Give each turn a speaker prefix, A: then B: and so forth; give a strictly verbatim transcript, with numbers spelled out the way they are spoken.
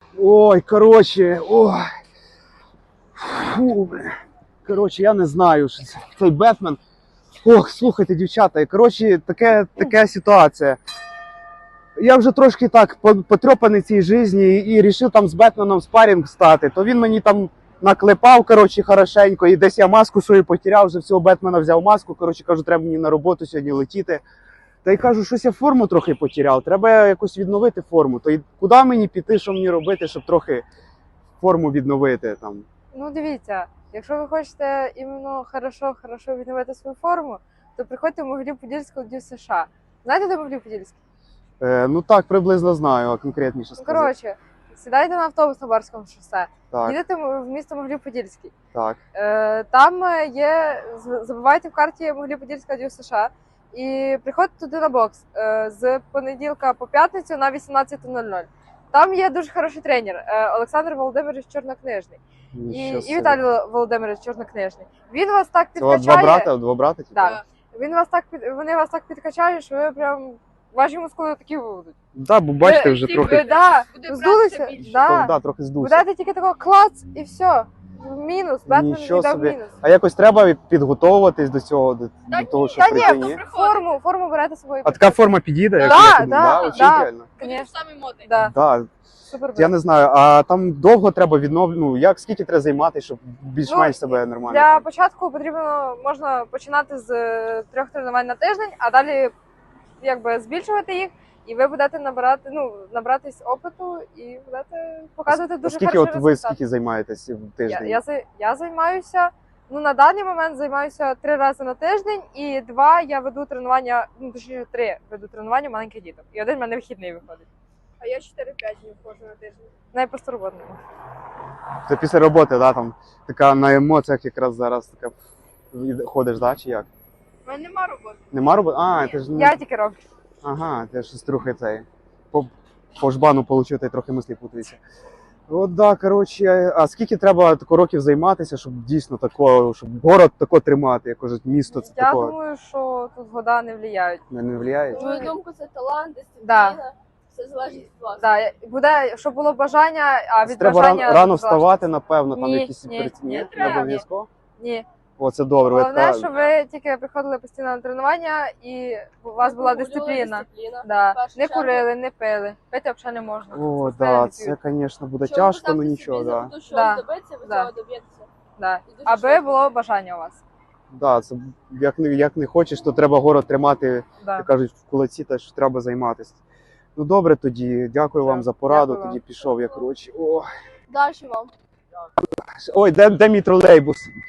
A: Ой, коротше, ой. Фу, бля. Коротше, я не знаю, що це цей Бетмен. Ох, слухайте, дівчата, коротше, таке, така ситуація. Я вже трошки так потрьопаний в цій житті і вирішив там з Бетменом спарінг стати. То він мені там наклепав, коротше, хорошенько, і десь я маску свою потеряв, вже всього Бетмена взяв маску, коротше, кажу, треба мені на роботу сьогодні летіти. Та й кажу, щось я форму трохи потеряв, треба якось відновити форму. То й куди мені піти, що мені робити, щоб трохи форму відновити там?
B: Ну, дивіться, якщо ви хочете іменно хорошо, хорошо відновити свою форму, то приходьте в Могилів-Подільську в США. Знаєте, де Могилів-Подільський?
A: Е, ну так, приблизно знаю, а конкретніше
B: Ну,
A: сказати.
B: коротше, сідайте на автобус на Барському шосе,
A: Так,
B: їдете в місто Могилів-Подільський.
A: так.
B: Е, там є, з- забивайте в карті Могилів-Подільська в США і приходьте туди на бокс е, з понеділка по п'ятницю на вісімнадцята нуль нуль. Там є дуже хороший тренер е, Олександр Володимирович Чорнокнижний і,
A: Нічого
B: і
A: собі.
B: Віталій Володимирович Чорнокнижний. Він вас так
A: Це у вас
B: підкачає.
A: два брата, два брата? типу?
B: Так. Він вас так під- вони вас так підкачають, що ви прям ваші мускули такі будуть.
A: Так, бо бачите,
B: Ви-
A: вже
B: ви,
A: трохи,
B: да,
C: Буде
B: здулися,
C: братися більше.
B: да.
A: да, трохи здувся.
B: Будете тільки такого клац і все. Мінус, Бетмен
A: Нічого
B: віддав
A: собі.
B: мінус.
A: А якось треба від- підготовуватись до цього, до,
C: Та
A: до того, що
B: Та
A: прийти,
B: ні,
A: ні?
B: форму, форму берете з собою.
A: А така форма підійде? як
B: Да,
A: я думаю,
B: да,
A: Вообще
B: да.
A: ідеально?
C: Буде
B: Конечно,
C: самий модний.
B: да,
A: Да.
B: супер.
A: Я не знаю, а там довго треба відновлювати, ну, як, скільки треба займатися, щоб більш-менш
B: Ну,
A: себе нормально?
B: Для
A: там?
B: початку потрібно, можна починати з е, трьох тренувань на тиждень, а далі якби збільшувати їх, і ви будете набирати, ну, набратись опиту і будете показувати
A: А
B: дуже
A: скільки
B: хороший
A: от ви
B: результат.
A: скільки займаєтесь в
B: Я,
A: тиждень?
B: я, за- я займаюся, ну на даний момент займаюся три рази на тиждень, і два я веду тренування, ну точніше три веду тренування маленьких діток. І один в мене вихідний виходить.
C: А я чотири-п'ять днів ходжу на тиждень.
B: Найпросто роботному.
A: Це після роботи, да, там така на емоціях якраз зараз така від- ходиш, да, чи як?
C: У мене нема роботи.
A: Нема роботи? А, ти ж не...
B: Я тільки роблю.
A: Ага, ти щось трохи цей. По, по жбану получив, та й трохи мислі путаються. От да, коротше, а скільки треба тако років займатися, щоб дійсно такого, щоб город тако тримати, як кажуть, місто це
B: Я
A: такого
B: думаю, що тут года не впливають.
A: не, не впливає?
C: На мою думку, це талант,
B: Да.
C: дисципліна. Все залежить від вас.
B: Да, буде, щоб було бажання, а від
A: Треба
B: бажання
A: рано, рано
B: залежить.
A: вставати, напевно, там
B: Ні,
A: якісь
B: ні,
A: перед-
B: ні,
A: не
B: треба.
A: обов'язково.
B: Ні.
A: О, це добре. ви
B: Головне,
A: така-
B: щоб ви тільки приходили постійно на тренування і у вас була дисципліна.
C: дисципліна.
B: Да.
C: В першу
B: Не
C: чергу.
B: курили, не пили. Пити взагалі не можна.
A: О,
B: Постоянно
A: да,
B: п'ють.
A: це, звісно, буде
C: Щоб
A: тяжко,
C: поставити
A: але
C: собі
A: нічого,
C: за
A: да.
C: мету щось
B: Да.
C: добитися, ви
B: Да.
C: цього доб'єтеся.
B: Да.
C: І дуже
B: Аби
C: швидко.
B: було бажання у вас.
A: Да, це як не, як не хочеш, то треба город тримати,
B: Да.
A: як кажуть, в кулаці, та що треба займатися. Ну добре тоді, дякую
B: Все,
A: вам за пораду,
B: дякую
A: тоді
B: вам.
A: пішов я, коротше. О.
C: Далі вам.
A: Ой, де, де мій тролейбус?